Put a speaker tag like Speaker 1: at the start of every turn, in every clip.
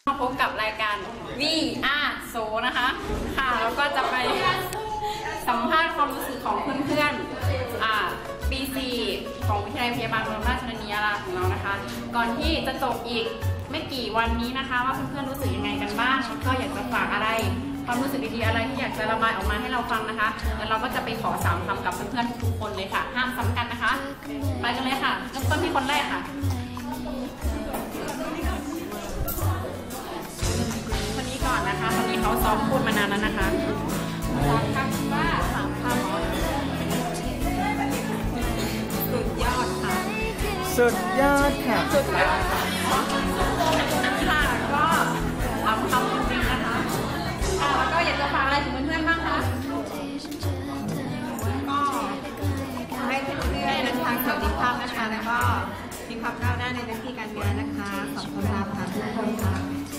Speaker 1: มาพบกับรายการวีอาโซนะคะค่ะแล้วก็จะไปสัมภาษณ์ความรู้สึกของเพื่อนๆปี 4 ของวิทยาลัยพยาบาลบรมราชชนนียาราของเรานะคะก่อนที่จะจบอีกไม่กี่วันนี้นะคะว่าเพื่อนๆรู้สึกยังไงกันบ้างแล้วก็อยากจะฝากอะไรความรู้สึกดีๆอะไรที่อยากจะระบายออกมาให้เราฟังนะคะแล้วเราก็จะไปขอ3 คำกับเพื่อนๆทุกคนเลยค่ะห้ามซ้ำกันนะคะไปกันเลยค่ะเริ่มต้นที่คนแรกค่ะคนนี้ก่อนนะคะคนนี้เขาซ้อมพูดมานานแล้วนะคะ3 คำว่า3 คำสุดยอดค่ะ
Speaker 2: สุดยอดค่ะ
Speaker 1: สุดยอดค่ะก็3 คำจริงๆนะคะแล้วก็อยากจะฝากอะไรถึงเพื่อนๆบ้างคะ
Speaker 3: ก็ขอให้เพื่อนๆเดินทางสวัสดิภาพนะคะแล้วก็มีความก้าวหน้าในหน้าที่การงานนะคะขอบคุณค่ะทุกคนค่ะ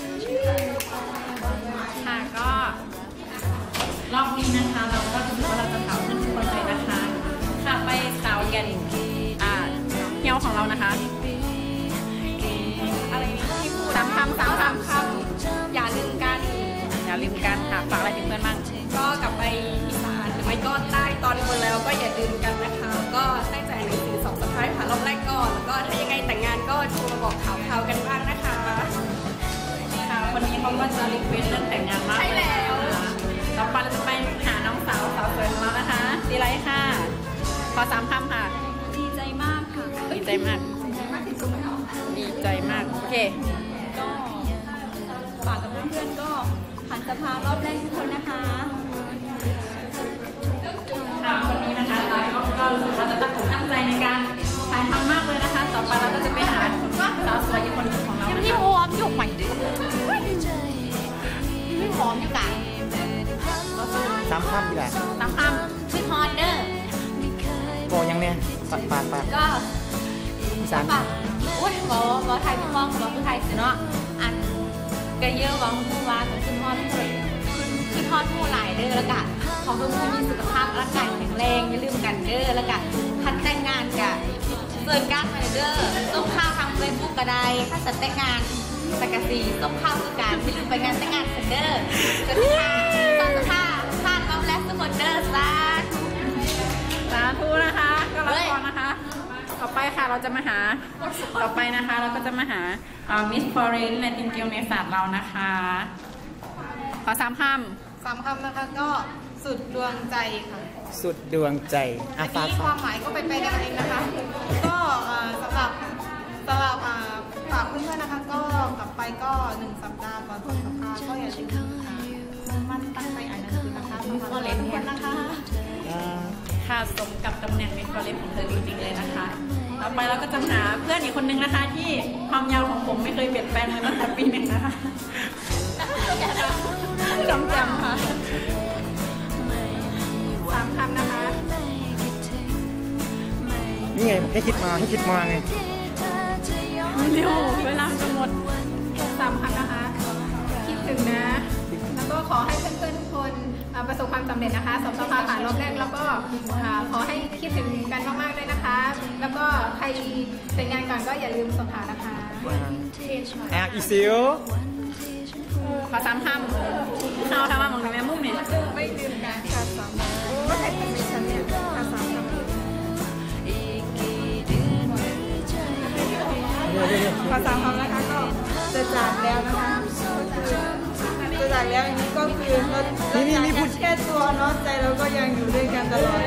Speaker 1: ค่ะก็รอบนี้นะคะเราก็ถือว่าเราจะถามเพื่อนทุกคนเลยนะคะค่ะไปสาวกันเฮียวของเรานะคะอะไรที่พูด3 คำอย่าลืมกันค่ะฝากอะไรถึงเพื่อนบ้าง
Speaker 3: ก็กลับไปอีสานหรือไม่ก็ใต้ตอนบนแล้วก็อย่าลืมกันนะคะก็ตั้งใจหนังสือ2 สุดท้ายผ่านรอบแรกก่อนแล้วก็ถ้ายังไงแต่งงานก็โทรมาบอกข่าวกันบ้างนะคะ
Speaker 1: ค่ะวันนี้เขาก็จะรีเควสเรื่องแต่งงานมากเลยต่อไปเราจะไปหาน้องสาวสวยของเรานะคะดีไลท์ค่ะขอ3 คำค่ะ
Speaker 3: ดีใจมากค่ะ
Speaker 1: ดีใจมากดีใจมากโอเค
Speaker 3: ก็ฝากกับเพื่อนๆก็ผ่านสภารอบแรกทุกคนนะคะ
Speaker 1: วันนี้นะคะก็รู้สึกว่าจะตั้งใจในการถ่ายทำมากเลยนะคะต่อไปเราก็จะไปหาสาวสวยอีกคนของเรา
Speaker 3: ที่พร้อมอยู่ใหม่ที่พร้อมอยู่กัน
Speaker 2: 3 คำดีแหละ
Speaker 1: 3 คำ
Speaker 3: ชื่อฮอนเดอร์
Speaker 2: ก็ยังเนี่ยปาก
Speaker 3: ก็
Speaker 2: อีสาน
Speaker 3: อุ้ยบอกไทยพี่มองบอกผู้ไทยสิเนาะอันกระเยอะวังผู้ว่าขึ้นฮอดขึ้นฮอดผู้หลายเด้อแล้วกันของทุกคนมีสุขภาพร่างกายแข็งแรงอย่าลืมกันเด้อแล้วกันคัดแต่งงานกับเซิร์นการ์ดมาเด้อต้องข้าวทางเฟซบุ๊กก็ได้ถ้าจะแต่งงานสักกะสีต้องข้าวคือการอย่าลืมไปงานแต่งงานเด้อจะพลาดรอบแรกทุกคนเด้อส
Speaker 1: าธุนะคะก็รับพรนะคะต่อไปค่ะเราจะมาหาต่อไปนะคะเราก็จะมาหามิสฟอเรนในทีมเกลในศาสตร์เรานะคะขอ3 คำ
Speaker 3: นะคะก็สุดดวงใจค่ะ
Speaker 2: สุดดวงใจ
Speaker 3: อันนี้ความหมายก็ไปได้เองนะคะก็สำหรับฝากเพื่อนๆนะคะก็กลับไปก็1 สัปดาห์ก่อนสภาก็อย่าลืมมันตั้งใจอ่านหนังสือนะคะมิสฟอเรนทุกคนนะคะ
Speaker 1: ค่ะสมกับตำแหน่งมิสฟอเรนของเธอจริงๆเลยนะคะต่อไปเราก็จะหาเพื่อนอีกคนนึงนะคะที่ความยาวของผมไม่เคยเปลี่ยนแปลงเลยตั้งแต่ปี 1นะคะจำค่ะ3 คำนะคะ
Speaker 2: นี่ไงให้คิดมาไง
Speaker 1: เร็วเวลาจะหมด3 คำนะคะคิดถึงนะแล้วก็ขอให้เพื่อนๆทุกคนประสบความสำเร็จนะคะสอบสภาผ่านรอบแรกแล้วก็ขอให้คิดถึงกันมากๆด้วยนะคะแล้วก็ใครแต่งงานก่อนก็อย่าลืมสอบผ่านนะคะ
Speaker 2: อีซิล
Speaker 1: ขอ3 คำเอาทำมาหมองแม่มุ้งเนี่ย
Speaker 3: ไม่ลืมกันค่ะ3 คำโอ้ใครเป็นฉันเนี่ย3 คำขอ3 คำนะคะก็จะจากแล้วนะคะจะจากแล้วอันนี้ก็คือนี่พูดแค่ตัวเนาะใจเราก็ยังอยู่ด้วยกันตลอด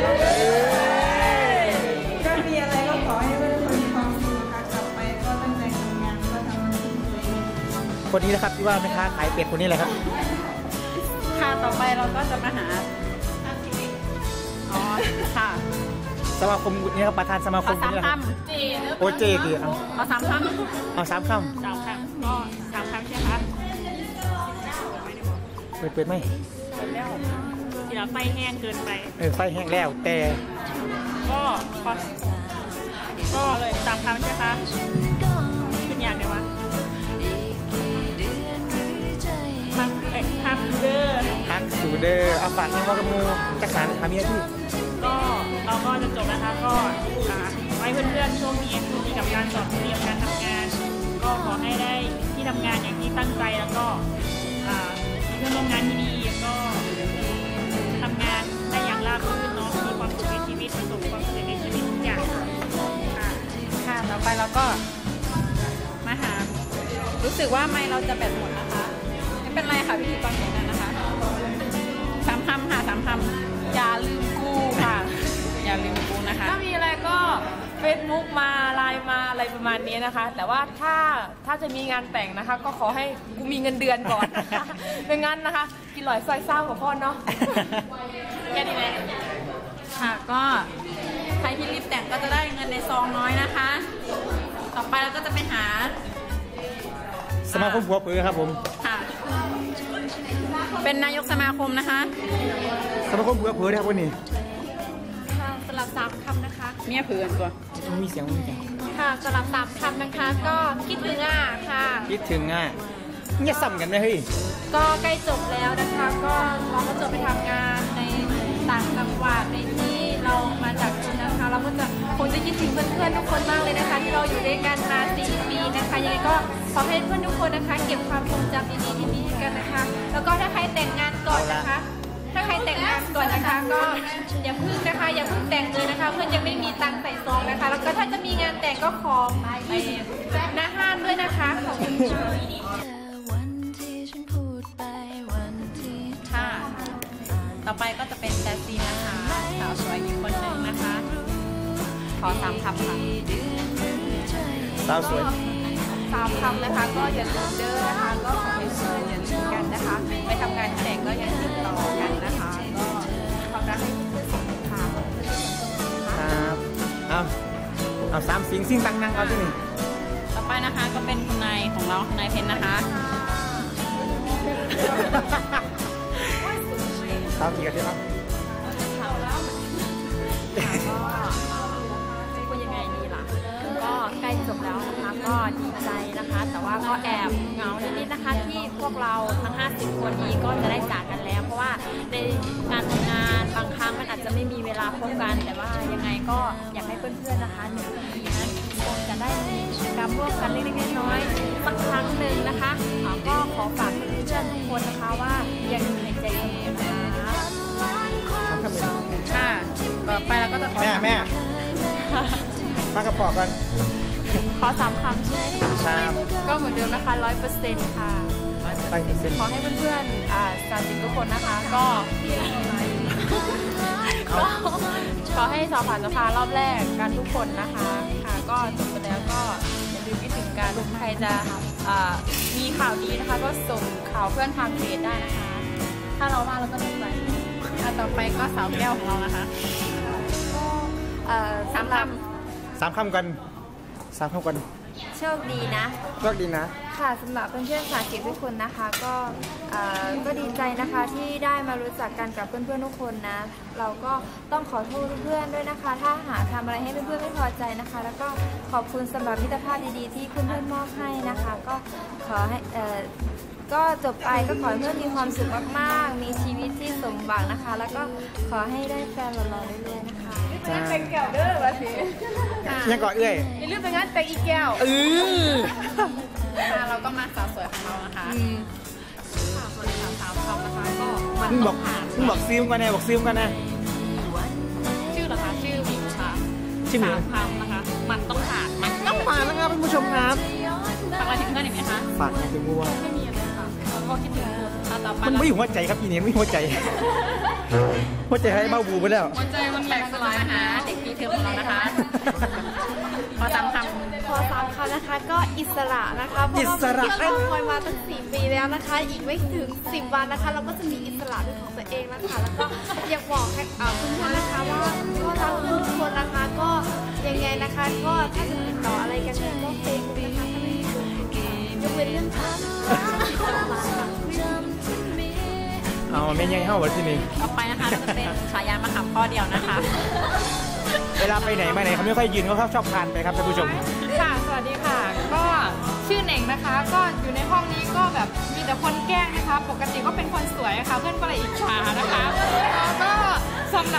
Speaker 3: ก็มีอะไรก็ขอให้ทุกคนมีความสุขค่ะกลับไปก็ตั้งใจทำงานก็ทำมันที่ตัวเอง
Speaker 2: คนนี้นะครับที่ว่าแม่ค้าขายเป็ดคนนี้แหละครับ
Speaker 1: ค่ะต่อไปเราก็จะมาหาค่ะ
Speaker 2: สมาคมนี่ครับประธานสมาคม
Speaker 1: นี่ครับ
Speaker 2: โอเจคือ
Speaker 1: เอา3 คำ
Speaker 2: เอา3 คำ
Speaker 1: ก็3 คำใช่ไหมคะ
Speaker 2: เปิดไหม
Speaker 1: แล้วทีละไฟแห้งเกินไป
Speaker 2: ไฟแห้งแล้วแต่
Speaker 1: ก็เลย3 คำใช่ไหมคะขึ้นอย่างเดียววะ
Speaker 2: ฮักสูเดอร์เอาฝากให้พ่อกมูจักสารทำยังไงที่
Speaker 1: ก็เราก็จะจบนะคะก็ไว้เพื่อนๆช่วงนี้มีกับการสอบเตรียมการทำงานก็ขอให้ได้ที่
Speaker 4: ทำงานอย่างที่ตั้งใจแล้วก็มีเพื่อนร่วมงานที่ดีก็ทำงานได้อย่างราบรื่นเนาะมีความสุขในชีวิตประสบความสำเร็จในชีวิตทุกอย่างค่ะ
Speaker 1: ค่ะต่อไปเราก็มาหารู้สึกว่าไมค์เราจะแบตหมดนะคะไม่เป็นไรค่ะพิธีกรของนั้นนะคะ3 คำค่ะ3 คำอย่าลืมกูค่ะอย่าลืมกูนะคะ
Speaker 5: ถ้ามีอะไรก็เฟซบุ๊กมาไลน์มาอะไรประมาณนี้นะคะ แต่ว่าถ้าจะมีงานแต่งนะคะ ก็ขอให้กูมีเงินเดือนก่อนนะคะไม่งั้นนะคะ กินหลอยซอยเศร้ากับพ่อเนาะแค่นี้แหละ
Speaker 1: ค่ะก็ใครที่รีบแต่งก็จะได้เงินในซองน้อยนะคะ ต่อไปเราก็จะไปหา
Speaker 2: สมาคมหัวปือครับผม
Speaker 1: ค่ะเป็นนายกสมาคมนะคะ
Speaker 2: สมาคมหัวปือนะครับวันนี้
Speaker 3: ค่ะสำหรับ3 คำนะคะ
Speaker 1: เมียเผื่อนตัว
Speaker 2: มีเสียงมีเสียง
Speaker 3: ค่ะสำหรับ3 คำนะคะ ก็คิดถึงค่ะ
Speaker 2: คิดถึงเนี่ยซ้ำกันไหมเฮ้ย
Speaker 3: ก็ใกล้จบแล้วนะคะ ก็เราก็จะไปทำงานในต่างจังหวัดในที่เรามาจากจุดนะคะ เราก็จะคงจะคิดถึงเพื่อนๆทุกคนมากเลยนะคะ ที่เราอยู่ด้วยกันมา4 ปีนะคะยังไงก็ขอให้เพื่อนทุกคนนะคะ เก็บความทรงจำดีๆที่มีกันนะคะ แล้วก็ถ้าใครแต่งงานก่อนนะคะ ถ้าใครแต่งงานก่อนนะคะ ก็อย่าพึ่งนะคะ อย่าพึ่งแต่งเลยนะคะ เพื่อนยังไม่มีตังค์ใส่ซองนะคะ แล้วก็ถ้าจะมีงานแต่งก็ขอไปหน้าห้านด้วยนะคะขอบคุณค่ะ
Speaker 1: ค่ะ ต่อไปก็จะเป็นแจสซีนนะคะสาวสวยอีกคนหนึ่งนะคะ ขอ3 คำค่ะ
Speaker 2: สาวสวย
Speaker 3: 3 คำนะคะ ก็อย่าลืมเด้อนะคะ ก็ขอให้เพื่อนอย่าลืมกันนะคะ ไปทำงานที่ไหนก็อย่าติดต่อกันนะคะ ก็ความรักให้เพื่อนสุขค่ะ
Speaker 2: ครับเอา3 สิ่งสิ่งตั้งนั่งเอาที่นี่
Speaker 1: ต่อไปนะคะก็เป็นคุณนายของเราคุณนายเพนนะคะ
Speaker 2: สาวกี่กันใช่ไหม
Speaker 3: พูดยังไงดีล่ะ ก็ใกล้จบแล้วนะคะ ก็ดีใจนะคะ แต่ว่าก็แอบเหงานิดๆนะคะ ที่พวกเราทั้ง50 คนนี้ก็จะได้จากกันแล้ว เพราะว่าในการทำงานบางครั้งมันอาจจะไม่มีเวลาพบกัน แต่ว่ายังไงก็อยากให้เพื่อนๆนะคะ1 ปีนั้นคงจะได้มีกิจกรรมร่วมกันเล็กๆน้อยๆสักครั้งหนึ่งนะคะก็ขอฝากเพื่อนๆทุกคนนะคะว่ายังอยู่ในใจเสมอนะคะ
Speaker 1: ค่ะ ต่อไปเราก็จะขอ
Speaker 2: แม่มากระปอกกัน
Speaker 3: ขอ3 คำใช่ไหมคะ
Speaker 2: ครับ
Speaker 3: ก็เหมือนเดิมนะคะ 100%ค่ะ
Speaker 2: ไปเซ็น
Speaker 3: ขอให้เพื่อนๆ30 ทุกคนนะคะ ก็ขอให้สอบผ่านสภารอบแรกกันทุกคนนะคะ ค่ะ ก็จบไปแล้วก็อย่าลืมคิดถึงกันใครจะมีข่าวดีนะคะ ก็ส่งข่าวเพื่อนทางเพจได้นะคะ ถ้าเราว่าเราก็ดีใจ
Speaker 1: ต่อไปก็สาวแก้วของเรานะคะ
Speaker 3: สำหรับ
Speaker 2: 3 คำกัน3 คำกัน
Speaker 3: โชคดีนะ
Speaker 2: โชคดีนะ
Speaker 3: ค่ะสำหรับเพื่อนๆสาธิตทุกคนนะคะก็ดีใจนะคะที่ได้มารู้จักกันกับเพื่อนๆทุกคนนะ เราก็ต้องขอโทษเพื่อนๆด้วยนะคะ ถ้าหากทำอะไรให้เพื่อนๆไม่พอใจนะคะ แล้วก็ขอบคุณสำหรับมิตรภาพดีๆที่เพื่อนๆมอบให้นะคะ ก็ขอให้ก็จบไปก็ขอให้เพื่อนมีความสุขมากๆมีชีวิตที่สมหวังนะคะ แล้วก็ขอให้ได้แฟนหล่อๆเรื่อยๆนะคะ
Speaker 5: เป็นแก้วเด้อวะสิ
Speaker 2: ยังก่อนเอ้ย
Speaker 5: อย่าลืมไปงานแต่งอีกแก้ว
Speaker 1: ค่ะเราก็มาสาวสวยของเรานะคะค่ะส่วนสาวๆเขานะคะก็มัน
Speaker 2: มึงบ
Speaker 1: ต้
Speaker 2: อ
Speaker 1: อก งผ่าน
Speaker 2: มึงบอกซิมกันแน่บอกซิมกันแน่
Speaker 1: ชื่อเหรอคะชื่อหมิวค่ะ
Speaker 2: ชื่อหมิว
Speaker 1: 3 คำนะคะ มันต้องผ่านมัน
Speaker 2: ต้องมาแล้วครับท่านผู้ชมครับ
Speaker 1: ฝากอะไรถึงเพื่อนอีกไหมคะ
Speaker 2: ฝากนะถึงวัว
Speaker 1: ไม่มีอะไรค่ะเราก็คิดถึงคุณต่อไป
Speaker 2: มันไม่อยู่หัวใจครับอีเนี่ยไม่หัวใจ หัวใจให้เบ้าบูไปแล้ว
Speaker 1: หัวใจมันแตกสลายหาเด็กปีเทอมของเรานะคะขอ3 คำ
Speaker 3: ขอ3 คำนะคะก็อิสระนะคะเพราะว่าที่เราคอยมาตั้ง4 ปีแล้วนะคะ อีกไม่ถึง10 วันนะคะ เราก็จะมีอิสระเป็นของตัวเองแล้วค่ะแล้วก็อยากบอกให้เพื่อนๆนะคะว่าก็รักทุกคนนะคะก็ยังไงนะคะ ก็ถ้าจะติดต่ออะไรกันเนี่ยก็เฟซบุ๊กนะคะถ้าไม่มียกเว้นเรื่องพัก
Speaker 2: เอาไม่ยังเข้าวันที่นี่
Speaker 1: ต่อไปนะคะก็จะเป็นฉายามะขามข้อเดียวนะคะ
Speaker 2: เวลาไปไหนมาไหนเขาไม่ค่อยยืนเขาชอบคานไปครับท่านผู้ชม
Speaker 5: ค่ะ สวัสดีค่ะ ก็ชื่อเหน่งนะคะ ก็อยู่ในห้องนี้ก็แบบมีแต่คนแกล้งนะคะ ปกติก็เป็นคนสวยค่ะ เพื่อนก็เลยอิจฉานะคะแล้วก็สำหรับ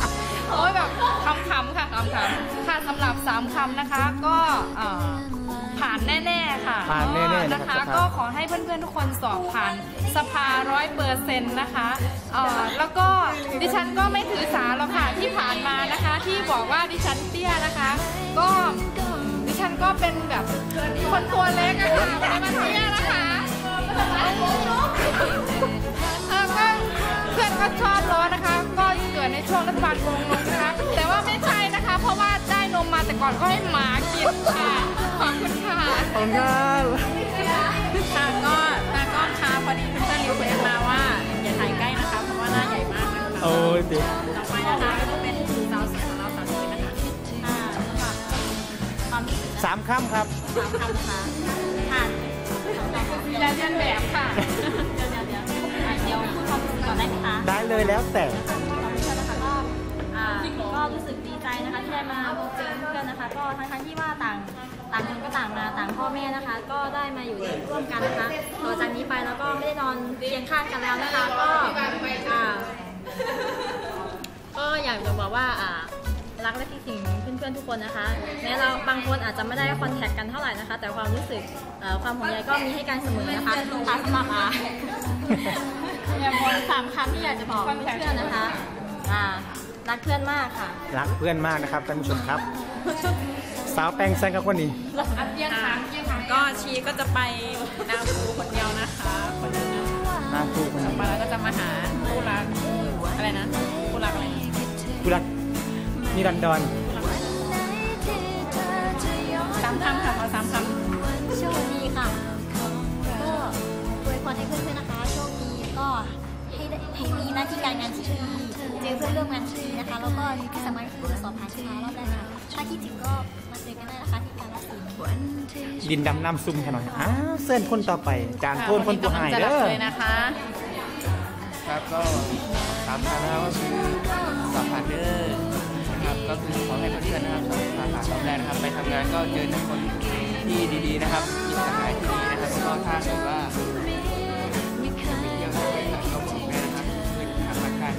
Speaker 5: โอ้ยแบบคำๆค่ะคำๆค่ะสำหรับ3 คำนะคะ ก็ผ่านแน่ๆค่ะ
Speaker 2: ผ่านแน่ๆ
Speaker 5: นะคะ
Speaker 2: นะครับ
Speaker 5: ก็ขอให้เพื่อนๆทุกคนสอบผ่านสภา100%นะคะแล้วก็ดิฉันก็ไม่ถือสาหรอกค่ะที่ผ่านมานะคะที่บอกว่าดิฉันเตี้ยนะคะ ก็ดิฉันก็เป็นแบบคนตัวเล็กอะค่ะไม่ได้มาเตี้ยนะคะก็เพื่อนก็ชอบล้อนะคะ ก็เกิดในช่วงรัฐบาลโกงนมนะคะแต่ว่าไม่ใช่นะคะ เพราะว่าได้นมมาแต่ก่อนก็ให้หมากินค่ะขอบคุณค่ะ
Speaker 2: ขอบคุณครับ
Speaker 1: ค่ะก็ตากล้องค่ะพอดีเพื่อนๆรีเควสมาว่าอย่าถ่ายใกล้นะคะเพราะว่าหน้าใหญ่มากนะคะ
Speaker 2: โอ้ยเด็ก
Speaker 1: ต่อไปนะคะก็จะเป็นสาวสวยของเราสาวสวยนะคะค่ะความรู้สึก
Speaker 2: 3 ค่ำครับ
Speaker 1: สามคำค่ะค่ะ
Speaker 5: อย่าเรียนแบบค่ะ
Speaker 3: เดี๋ยวพูดความรู้สึกก่อนได้ไหมคะ
Speaker 2: ได้เลยแล้วแต่
Speaker 3: ก็รู้สึกดีใจนะคะที่ได้มาพบเจอเพื่อนนะคะ ก็ทั้งที่ว่าต่างคนก็ต่างมาต่างพ่อแม่นะคะ ก็ได้มาอยู่ร่วมกันนะคะต่อจากนี้ไปแล้วก็ไม่ได้นอนเตียงข้างกันแล้วนะคะ ก็อยากจะบอกว่ารักและคิดถึงเพื่อนๆทุกคนนะคะแม้เราบางคนอาจจะไม่ได้คอนแทคกันเท่าไหร่นะคะ แต่ความรู้สึกความห่วงใยก็มีให้กันเสมอนะคะสำหรับอย่างบน3 คำที่อยากจะบอกเพื่อนๆนะคะรักเพื่อนมากค่ะ
Speaker 2: รักเพื่อนมากนะครับท่านผู้ชมครับ สาวแปลงแซงกับคนนี้
Speaker 1: ก็ชีก็จะไปนาคูคนเดียวนะคะคนเดียว
Speaker 2: น่าคู่คนนี้
Speaker 1: มาแล้วก็จะมาหาคู่รักอะไรนะคู่รักอะไรนะ
Speaker 2: กูรักนิรันดร
Speaker 1: 3 คำค่ะเอา3 คำ
Speaker 3: โชคดีค่ะ ก็อวยพรให้เพื่อนๆนะคะ โชคดีก็ให้มีหน้าที่การงานที่ดีเจอเพื่อนร่วมงานที่ดีนะคะ แล้วก็ที่สำคัญคือสอบผ่านชนะรอบแรกค่ะถ้าคิดถึงก็มาเจอกันได้นะคะที่การรักษา
Speaker 2: ดินดำน้ำซุ่มแค่หน่อยอ้าวเส้นคนต่อไป จานโทนคนผู้หาย
Speaker 1: จะ
Speaker 2: เด้
Speaker 1: ดับ
Speaker 2: อ
Speaker 1: เลยนะคะ
Speaker 6: ครับก็3 คำนะครับก็คือสอบผ่านเด้อนะครับก็คือขอให้เพื่อนๆนะครับสอบผ่านรอบแรกนะครับไปทำงานก็เจอแต่คนที่ดีๆนะครับมีสหายที่ดีนะครับแล้วก็ถ้าเกิดว่าไปเที่ยวไปต่างก็บอกแม่นะครับเป็นทางรักกัน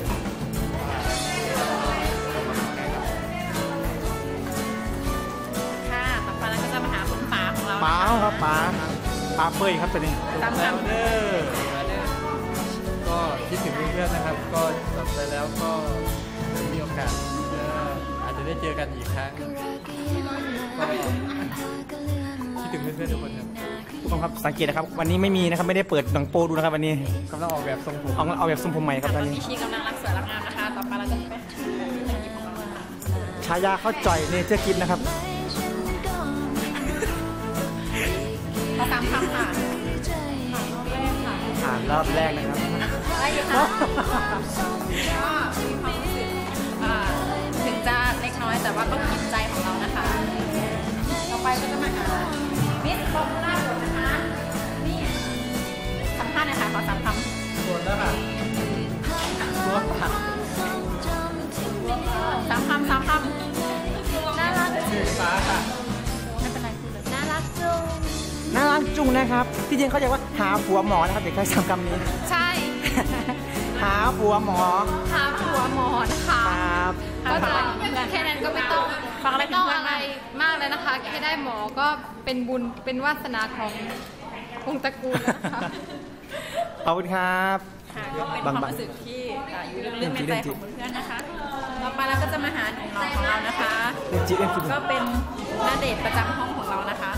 Speaker 1: ค่ะต่อไปเราก็จะมาหาคุณป๋าของเรา
Speaker 2: ป๋าครับป๋าเป้ยครับตัวนี้
Speaker 1: ตามคำ
Speaker 6: เด้อก็คิดถึงเพื่อนๆนะครับ ก็จบไปแล้วก็มีโอกาสอาจจะได้เจอกันอีกครั้งก็คิดถึงเพื่อนๆทุกคนครับ
Speaker 2: ทุกคนครับสังเกตนะครับ วันนี้ไม่มีนะครับไม่ได้เปิดหนังโปดูนะครับวันนี้
Speaker 6: กำลังออกแบบทรงผม
Speaker 2: เอาแบบทรงผมใหม่ครับ
Speaker 1: ต
Speaker 2: ต
Speaker 1: อ
Speaker 2: อน น
Speaker 1: นี้
Speaker 2: นี้
Speaker 1: ชีกำลังรักสวยรักงามนะคะ ต่อไปเราจะไปหาคนหยิบของเราค่ะ
Speaker 2: ฉายาเขาจ่อยเนเจอร์คิดนะครับ
Speaker 1: ขอ3 คำค่ะ
Speaker 2: ผ่านรอบแรกนะครับ
Speaker 1: ได้อยู่ค่ะ ก็มีความรู้สึกถึงจะเล็กน้อยแต่ว่าก็กินใจของเรานะคะ ต่อไปก็จะมาหามิสโคโคล่าบดนะคะ นี่สัมภาษณ์หน่อยค่ะขอ3 คำ
Speaker 6: ส่วนแล้วค่ะ
Speaker 1: 3 คำ3 คำ
Speaker 3: น่ารัก
Speaker 6: ฟ้าค่ะ
Speaker 1: ไม่เป็นไรพูดเลย
Speaker 3: น่ารักจุง
Speaker 2: น่ารักจุงนะครับที่จริงเขาเรียกว่าหาผัวหมอนะครับเด็กใช้คำนี้
Speaker 1: ใช่
Speaker 2: หาผัวหมอ
Speaker 1: หาผัวหมอนะคะ
Speaker 2: ครับ
Speaker 1: ก็จะแค่นั้นก็ไม่ต้อง
Speaker 5: ฟังอะไร
Speaker 1: ไม่ต้อง
Speaker 5: เพื่อน
Speaker 1: อะไรมากเลยนะคะแค่ได้หมอก็เป็นบุญเป็นวาสนาของวงศ์ตระกูลนะคะ
Speaker 2: ขอบคุณครับ
Speaker 1: ค่ะก็เป็นความรู้สึกที่อยู่ลึกๆในใจของเพื่อนๆนะคะ ต่อไปเราก็จะมาหาหนุ่มน้อยของเรานะคะ
Speaker 2: เล่นจีเล่นจี
Speaker 1: ก็เป็นณเดชน์ประจำห้องของเรานะคะ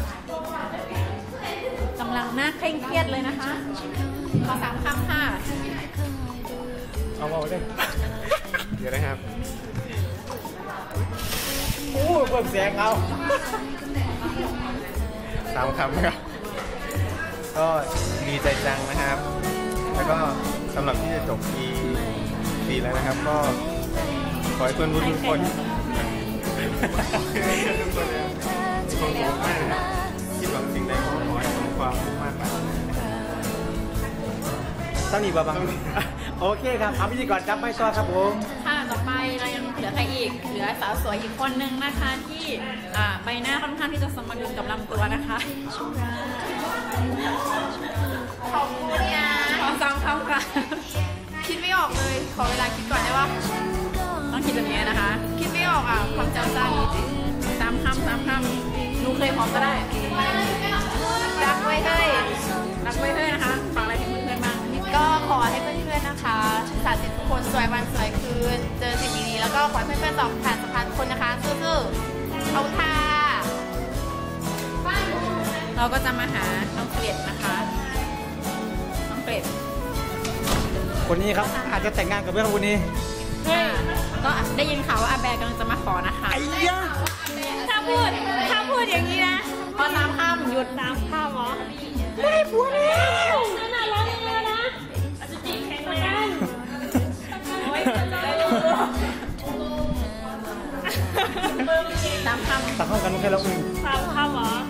Speaker 1: กำลังหน้าเคร่งเครียดเลยนะคะ ขอ3 คำค่ะ
Speaker 2: เอาเลย
Speaker 6: เดี๋ยวนะครับ
Speaker 2: โอ้เปิดเสียงเอา
Speaker 6: 3 คำครับ ก็ดีใจจังนะครับ แล้วก็สำหรับที่จะจบปีแล้วนะครับ ก็ขอให้เพื่อนทุกคนทุกคนเลยมีความสุขมากนะครับคิดหวังสิ่งใดก็ขอให้สมความมุ่งมั่นปรารถนานะครับ
Speaker 2: ต้องมีบ้างโอเคครับเอาพิธีกรจับไม่ต่อครับผม
Speaker 1: ค่ะ ต่อไปเรายังเหลือใครอีก เหลือสาวสวยอีกคนนึงนะคะ ที่ใบหน้าค่อนข้างที่จะสมดุลกับลำตัวนะคะขอบคุณนะขอ3 คำค่ะ คิดไม่ออกเลย ขอเวลาคิดก่อนได้ว่าต้องคิดแบบนี้นะคะ คิดไม่ออกอ่ะความจำสั้น3 คำ3 คำหนูเคยพร้อมก็ได้รักไว้เฮ้ยรักไว้เฮ้ยนะคะฝากอะไรถึงเพื่อนๆบ้าง
Speaker 3: ก็ขอให้เพื่อนๆนะคะสาวเสร็จทุกคนสวยวันสวยคืนเจอสิ่งดีๆแล้วก็ขอให้เพื่อนๆสอบผ่านสัมพันธ์ทุกคนนะคะสู้ๆเอาค่ะ
Speaker 1: เราก็จะมาหาน้องเกล็ดนะคะน้องเกล็ด
Speaker 2: คนนี้ครับอาจจะแต่งงานกับเพื่อนคนนี้
Speaker 1: ก็ได้ยินข่าวว่าอาแบร์กำลังจะมาขอนะคะ
Speaker 2: ไอ้ยะ
Speaker 4: ถ้าพูดอย่างนี้นะ
Speaker 1: พอตามข้ามหยุด
Speaker 4: ตามข้าวหรอได้ผัวแล้วนั่นน่ะร้องเลยนะอาจจะจีบแข็งแรงโอ้ย
Speaker 1: ตามข้าม
Speaker 2: ตัดเข้ากันไม่ใช่แล้วอึ้ง
Speaker 4: สามข้าวหรอ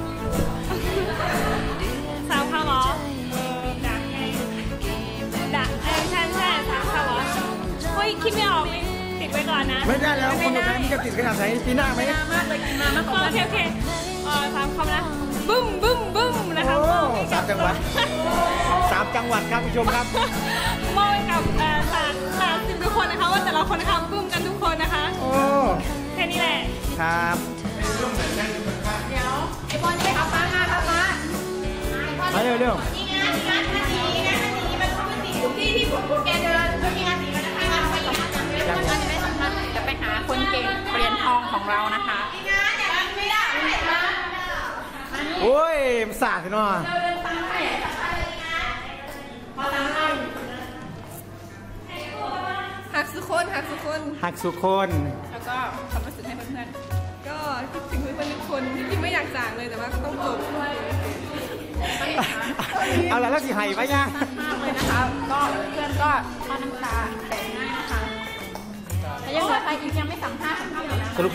Speaker 4: สามข้าวหรอดักไงดักใช่สามข้าวหรอเฮ้ยคิดไม่ออกเลยติดไว้ก่อนนะ
Speaker 2: ไม่ได้แล้วคนแบบนี้มันจะติดขนาดไหนปีหน้าไหม
Speaker 1: มากเลยกินมามากกว่า
Speaker 4: โอเคสามคำนะบึ้มนะคะ
Speaker 2: โอ้3 จังหวัด3 จังหวัดครับผู้ชมครับ
Speaker 4: มอบให้กับสามสิบทุกคนนะคะว่าแต่ละคนนะคะบึ้มกันทุกคนนะคะ
Speaker 2: โอ้
Speaker 4: แค่นี้แหละ
Speaker 2: ครับ
Speaker 1: เดี๋ยวไอ้บอลนี่ครับมาครับมา
Speaker 2: มาเร็ว
Speaker 3: นี่งานมันหนีที่พวกแกเดินก็มีงานหนีมันนะคะงานไปอีกงานจังเลยงานจะได้สำคัญ
Speaker 1: จะไปหาคนเก่งเหรียญทองของเรานะคะ
Speaker 3: งานเนี่ยไม่ได้มา
Speaker 2: โอ้ยมันสาดเนาะ
Speaker 5: หักสุคนหักสุคน
Speaker 2: หักสุคน
Speaker 1: แล้วก็ความรู้สึกให้เพื่อน
Speaker 5: ก็คิดถึงเพื่อนๆทุกคนที่จริงไม่อยากจากเลยแต่ว่าก็ต้องจบ
Speaker 2: เอาละแล้วสิไห้ไปยัง
Speaker 1: ๆมากเลยนะคะ ก็เพื่อนก็ทอดน้ำตาแตกง่ายนะคะแต่ยังเหลือใครอีกยังไม่สัมภาษณ์อยู่นะ
Speaker 2: สรุป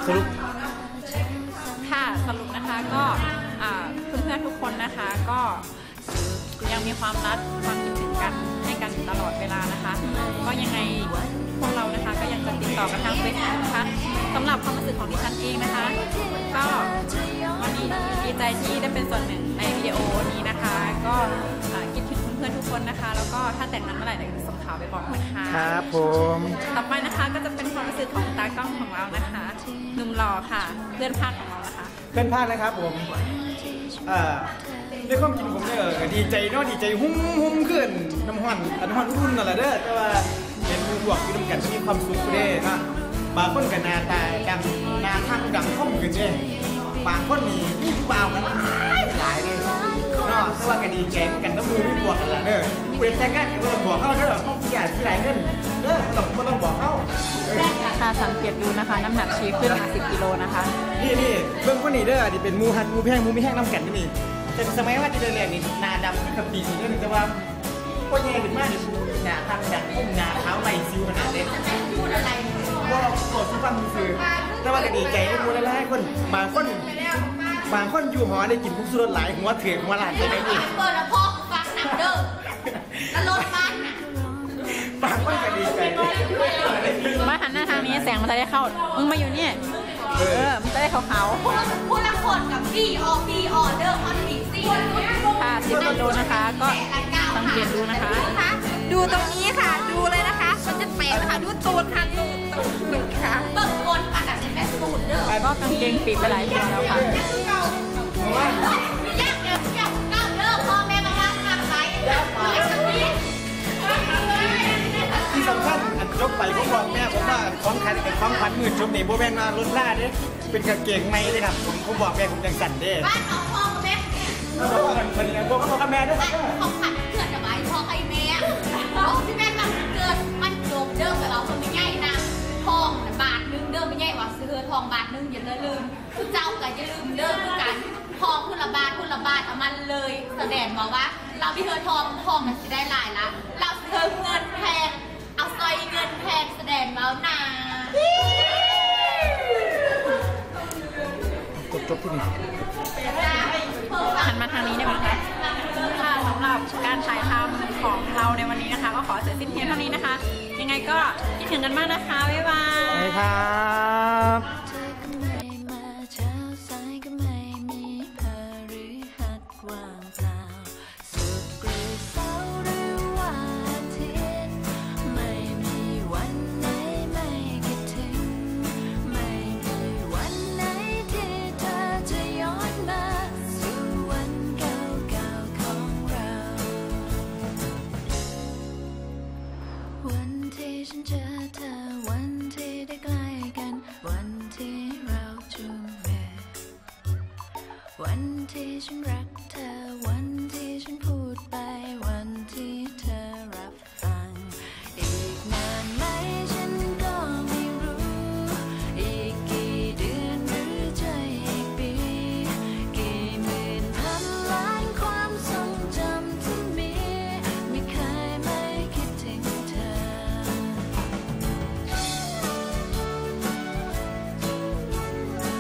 Speaker 1: ค่ะสรุปนะคะก็เพื่อนๆทุกคนนะคะก็ยังมีความรักความคิดถึงกันให้กันตลอดเวลานะคะ ก็ยังไงพวกเรานะคะก็ยังจะติดต่อกันทางเฟซบุ๊กนะคะสำหรับความรู้สึกของดิฉันเองนะคะ ก็วันนี้ดีใจที่ได้เป็นส่วนหนึ่งในวิดีโอนี้นะคะ ก็คิดถึงเพื่อนๆทุกคนนะคะ แล้วก็ถ้าแต่งงานเมื่อไหร่เดี๋ยวจะส่งข่าวไปบอกนะคะ
Speaker 2: ครับผม
Speaker 1: ต่อไปนะคะก็จะเป็นความรู้สึกของตากล้องของเรานะคะหนุ่มหล่อค่ะเพื่อนภาคของเรานะคะ
Speaker 2: เพื่อนพลาดนะครับผมด้วยความจริงผมเนี่ยก็ดีใจเนาะดีใจหุ้มขึ้นน้ำห้อนอุ่นนั่นแหละเด้อแต่ว่าเห็นมือหวกอยู่ด้วยกันมีความสุขเด้นะบางคนกับนาตาดังนาทางดังข้อมขึ้นเด้บางคนนี่มีผู้บ่าวกันหลายเลยเนาะแต่ว่าก็ดีใจกันน้ำมือมีบวกกันละเด้อเปิดแต่งงานก็ต้องบอกเขาเด้อเขาอยากที่ไหนเงินเด้อต้องบอกเขา
Speaker 1: ค่ะสังเกตดูนะคะน้ำหนักชีขึ้นมา10 กิโลนะคะ
Speaker 2: นี่เบื้องคนนี้เด้อนี่เป็นมูฮันมูแพงมูไม่แห้งน้ำแข็งนี่แต่สมัยว่าที่เรียนนี่นาดำกับปีนี่เด้อแต่ว่าก็แย่ขึ้นมากหนาทางดังพุ่งหนาเท้าไหลซิวขนาดเด็กพูดอะไรก็กดทุกความคือแต่ว่าก็ดีใจที่มูหลายคนบางคนอยู่หอได้กินพวกสุดหลายหัวเถื่อนหัวหลานจะได้ยิน
Speaker 3: เปิดแล้วพ่อฟังหนังเด้อแล้วรถบ้านน่ะ
Speaker 2: บางคนก็ดีใจ
Speaker 1: มาหันหน้าทางนี้แสงมันจะได้เข้า มึงมาอยู่นี่มันจะได้ขาว
Speaker 3: พูดละคนกับพี่ออเดอร์คอนดิซี่
Speaker 1: ๆค่ะ10 กิโลนะคะ ก็สังเกตดูนะคะ
Speaker 3: ดูตรงนี้ค่ะ ดูเลยนะคะ มันจะเป๋นะคะดูตูดค่ะตูดค่ะเบิกบนค่ะแต่เป็นแม่ตูดเด้อ
Speaker 1: ก็กางเกงปีกไปหลายตัวแล้วค่ะ
Speaker 3: ยากเดี๋ยวเก้าเด้อพ่อแม่มาว่าทำไร
Speaker 2: ที่สำคัญอันยกไปผมบอกแม่ผมว่าของขวัญมื่นชมนี่โบแมนมารถล่าเด้เป็นกางเกงในเลยครับผมบอกแม่ผมยังสั่นเด้
Speaker 3: บ้านน้องพ่อแม่
Speaker 2: แล้วบอกว่ามันยังบอกกับแม่ด้วยครับ
Speaker 3: ของขันเกิดจะไว้พ่อใครแม่ที่แม่มันเกิดมันโดมเด้อกับเราคนไม่ง่ายนะทองบาทนึงเด้อไม่ง่ายว่าซื้อทองบาทนึงอย่าลืมคือเจ้าก็อย่าลืมเด้อคือกันทองคุณละบาทเอามันเลยแสดงบอกว่าเราพี่เธอทองมันจะได้หลายละเราเธอเงินแพงเอาซอยเงินแพงแสดงแล้วนะ
Speaker 2: จบที่นี่
Speaker 1: หันมาทางนี้ได้ไหมคะค่ะสำหรับการถ่ายทำของเราในวันนี้นะคะ ก็ขอเสร็จสิ้นเพียงเท่านี้นะคะ ยังไงก็คิดถึงกันมากนะคะ บ๊ายบาย
Speaker 2: ไปครับ
Speaker 7: วันที่ฉันรักเธอวันที่ฉันพูดไป